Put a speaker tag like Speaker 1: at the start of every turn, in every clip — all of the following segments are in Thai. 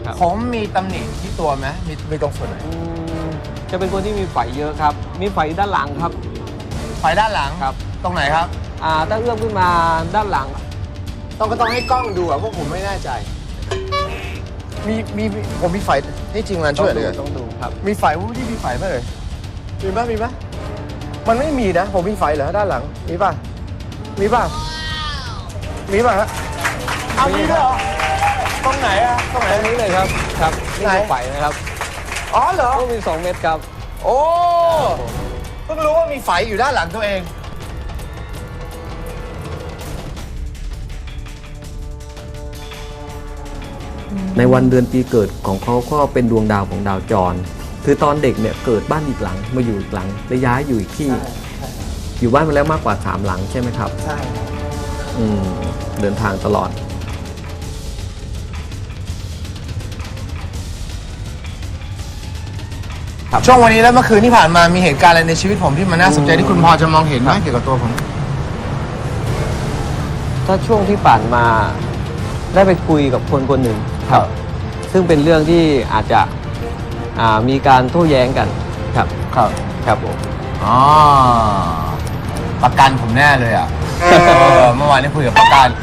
Speaker 1: ผมมีตำหนิที่ตัวไหมมีตรงส่วนไหน
Speaker 2: จะเป็นคนที่มีไฝเยอะครับมีไฝด้านหลังครับ
Speaker 1: ไฟด้านหลัง
Speaker 2: ครับ
Speaker 1: ตรงไหนครับ
Speaker 2: ถ้าเอื้อมขึ้นมาด้านหลัง
Speaker 1: ต้องให้กล้องดูอะเพราะผมไม่แน่ใจมีผมมีไฟนี่จริงมันช่วยเลย
Speaker 2: ต้องดูครับ
Speaker 1: มีไฟที่มีไฟไหมเลยมีไหมมันไม่มีนะผมมีไฟเหรอด้านหลังมีป่ะมีป่ะฮะเอามีด้วยเหรอตรงไหนอะตรงไหน
Speaker 2: ตรงนี้เลยครับครับนี่คือไฝนะครับ
Speaker 1: อ๋อเหรอ
Speaker 2: ต้องมี2 เม็ดครับ
Speaker 1: โอ้เพิ่งรู้ว่ามีไฟอยู่ด้านหลังตัวเอง
Speaker 3: ในวันเดือนปีเกิดของเขาก็เป็นดวงดาวของดาวจรคือตอนเด็กเนี่ยเกิดบ้านอีกหลังมาอยู่อีกหลังแล้วย้ายอยู่อีกที่อยู่บ้านมาแล้วมากกว่า3 หลังใช่ไหมครับ
Speaker 1: ใช่
Speaker 3: เดินทางตลอด
Speaker 1: ช่วงวันนี้และเมื่อคืนที่ผ่านมามีเหตุการณ์อะไรในชีวิตผมที่มันน่าสนใจที่คุณพอจะมองเห็นไหมเกี่ยวกับตัวผม
Speaker 2: ถ้าช่วงที่ผ่านมาได้ไปคุยกับคนหนึ่งครับซึ่งเป็นเรื่องที่อาจจะมีการโต้แย้งกันครับผม
Speaker 1: ประกันผมแน่เลยอ่ะเมื่อวานนี้คุยกับประกัน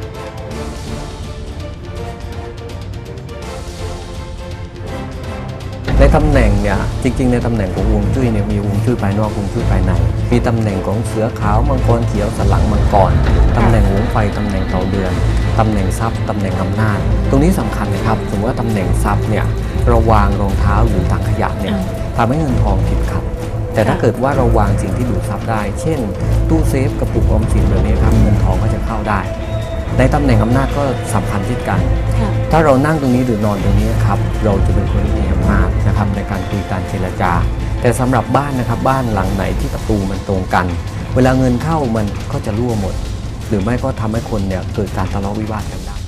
Speaker 3: ในตำแหน่งเนี่ยจริงๆในตำแหน่งของฮวงจุ้ยเนี่ยมีฮวงจุ้ยภายนอกฮวงจุ้ยภายในมีตำแหน่งของเสือขาวมังกรเขียวสันหลังมังกรตำแหน่งหงส์ไฟตำแหน่งเต่าเดือนตำแหน่งทรัพย์ตำแหน่งอำนาจตรงนี้สำคัญนะครับสมมติว่าตำแหน่งทรัพย์เนี่ยเราวางรองเท้าหรือถังขยะเนี่ยทำให้เงินทองติดขัดแต่ถ้าเกิดว่าเราวางสิ่งที่ดูดทรัพย์ได้เช่นตู้เซฟกระปุกออมสินแบบนี้ครับเงินทองก็จะเข้าได้ในตำแหน่งอำนาจก็สำคัญเช่นกันถ้าเรานั่งตรงนี้หรือนอนตรงนี้ครับเราจะเป็นคนที่มีอำนาจนะครับในการคุยการเจรจาแต่สำหรับบ้านนะครับบ้านหลังไหนที่ประตูมันตรงกันเวลาเงินเข้ามันก็จะรั่วหมดหรือไม่ก็ทำให้คนเนี่ยเกิดการทะเลาะวิวาทกันได้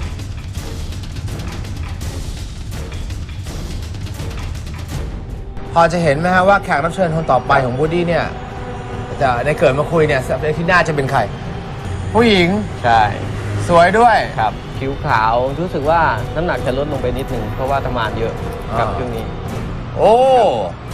Speaker 1: พอจะเห็นไหมฮะว่าแขกรับเชิญคนต่อไปของบูดดี้เนี่ยจะในเกิดมาคุยเนี่ยที่หน้าจะเป็นใครผู้หญิง
Speaker 2: ใช่
Speaker 1: สวยด้วย
Speaker 2: ครับผิวขาวรู้สึกว่าน้ำหนักจะลดลงไปนิดนึงเพราะว่าทำงานเยอะกับช่วงนี้
Speaker 1: โอ้